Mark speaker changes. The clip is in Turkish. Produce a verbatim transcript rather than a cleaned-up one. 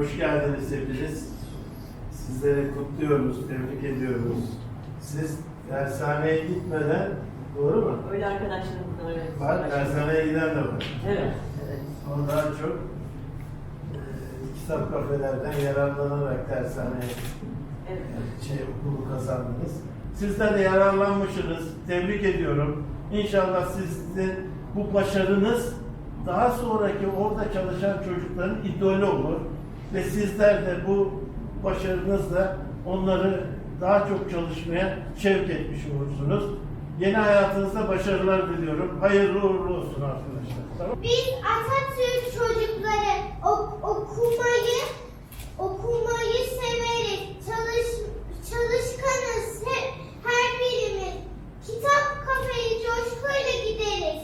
Speaker 1: Hoş geldiniz hepiniz. Sizleri kutluyoruz, tebrik ediyoruz. Siz dershaneye gitmeden, doğru mu?
Speaker 2: Öyle arkadaşlarımız da öyle.
Speaker 1: Var, dershaneye giden de var.
Speaker 2: Evet, evet.
Speaker 1: O daha çok e, kitap kafelerden yararlanarak dershaneye
Speaker 2: Evet.
Speaker 1: şey, okulu kazandınız. Sizler de yararlanmışsınız. Tebrik ediyorum. İnşallah sizin bu başarınız daha sonraki orada çalışan çocukların idolü olur. Ve sizler de bu başarınızla onları daha çok çalışmaya sevk etmiş olursunuz. Yeni hayatınızda başarılar diliyorum. Hayırlı uğurlu olsun arkadaşlar. Tamam.
Speaker 3: Biz Atatürk çocukları ok- okumayı okumayı severiz. Çalış çalışkanız. He- her birimiz. Kitap kafeye coşkuyla gideriz.